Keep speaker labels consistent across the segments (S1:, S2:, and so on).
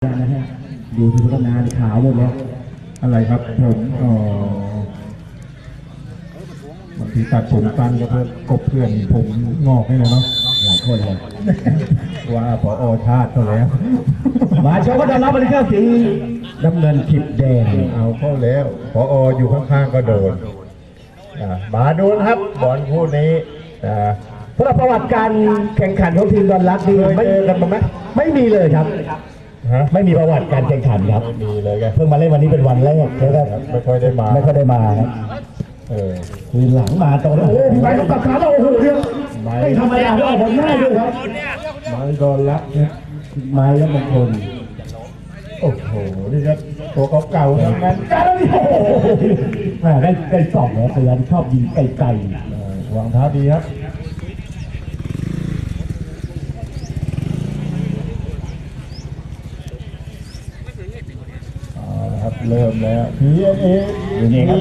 S1: นะฮะดูที่พัฒนาขาวหมดแล้ว
S2: อะไรครับผมบางทีตัดผมสั้นก็เพื่อกบเพื่อนผมงอกให้เลยเนาะ
S1: หลายคนเลย
S2: ว่าพอชาติเขาแล้ว
S1: มาชมก็จะรับบริการสีน้ำเงินขิบแดง
S2: เอาเข้าแล้วพออยู่ข้างๆก็โดนมาดูนะครับบอลคู่นี้
S1: สำหรับประวัติการแข่งขันของทีมดอนรักนี่ไม่กันไหมไม่มีเลยครับไม่มีประวัติการแข่งขันครับ
S2: มีเลยแก
S1: เพิ่งมาเล่นวันนี้เป็นวันแรกแล้วก็
S2: ไม่ค่อยได้มา
S1: ครับคือหลังมาตอนโอ้โหไปต้องตัดขาเราโอ้โหเรื่องไม่ธรรมดาด้วยผมง่ายด้วยครับ
S2: ไม้ดอนรัก
S1: ไม้แล้วมงคล
S2: โอ้โหนี่ครับตัวเก่าๆทั้งนั้น
S1: แม่ได้สองแล้วพยายามชอบยิงไกล
S2: วางเท้าดีครับครับเริ่มแล้วพีเอ
S1: ครับ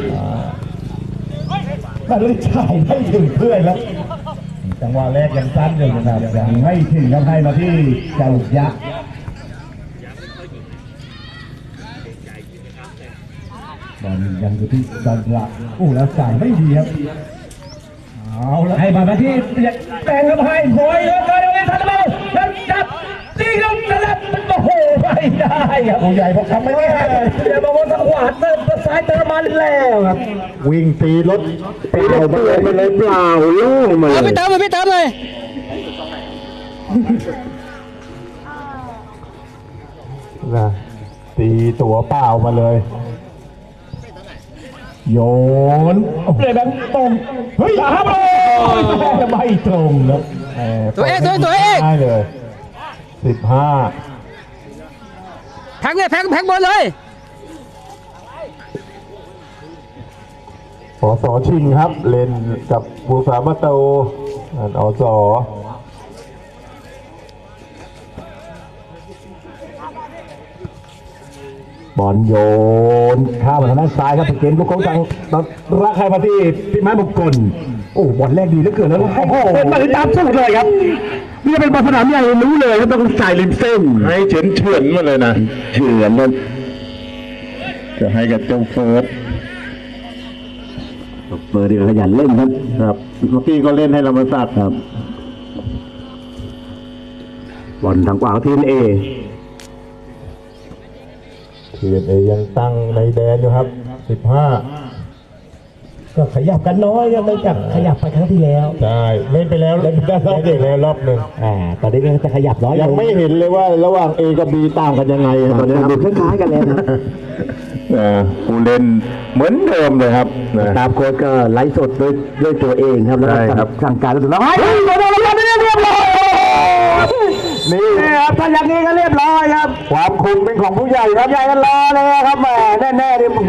S1: มันเลยจ่ายไม่ถึงเพื่อนแล้ว
S2: จังหวะแรกยังสั้นอยู่นะครับ
S1: ยังไม่ถึงครับให้มาที่เจ้ายักษ์บอลยังอยู่ที่ดอนรักแล้วจ่ายไม่ดีครับเอาแล้วให้มาที่แปลงกับให้โอยแล้วก็ได้ทันเบาแล้วจับตีลงสลับมันโอ้โหไม่ได้ครับ
S2: ผู้ใหญ่พอทำไม่ได้
S1: เดี๋ยวมาวนทางขวาเติมซ้ายเติมมาแล้วครับ
S2: วิ่งตีรถ
S1: เปล่าไปเลยเปล่าโล่งมาเลย
S3: ไม่เติมเลย
S2: นะตีตัวเปล่ามาเลยโยน
S1: เลยแบบตรงเฮ้ยครับจะไม่ตรงครับ
S3: ตัวเอก
S2: ได้เลย15
S3: แพ็กบอลเลย
S2: สชิงครับเล่นกับบูสามาโตส
S1: บอลโยนข้ามมาทางด้านซ้ายครับเกมลูกของทางรักใครมาที่พี่ไม้มงคลโอ้บอลแรกดีเหลือเกินแล้วโอ้โหเป็นมาตามสู้เลยครับนี่เป็นบอลสนามใหญ่รู้เลยครับต้องจ่ายริมเส้น
S2: ให้เฉือนมาเลยนะ
S1: เฉือนมัน
S2: จะให้กับเจ้าเฟิร์ส
S1: ดีขยันเล่น
S2: ครับเมื่อกี้ก็เล่นให้ธรรมศาสตร์ครับ
S1: บอลทางขวาทีมเอ
S2: ยังตั้งในแดนอยู่ครับ15
S1: ก็ขยับกันน้อยยังไม่จับขยับไปครั้งที่แล้ว
S2: ใช่เล่นไปแล้วรอบหนึ่ง
S1: ตอนนี้ก็จะขยับน้อย
S2: ยังไม่เห็นเลยว่าระหว่าง A กับ B ต่างกันยังไง
S1: ตอนนี้คล้ายๆกันเลยนะ
S2: ผู้เล่นเหมือนเดิมเลยครับ
S1: ตามโค้ชก็ไลฟ์สดด้วยตัวเองครับแล้วก็สั่งการแล้วแล้วนี่ครับถ้าอย่างนี้ก็เรียบร้อยครับ
S2: ความคุมเป็นของผู้ใหญ่ครับ
S1: ใหญ่กันรอเลยครับแม่แน่ๆ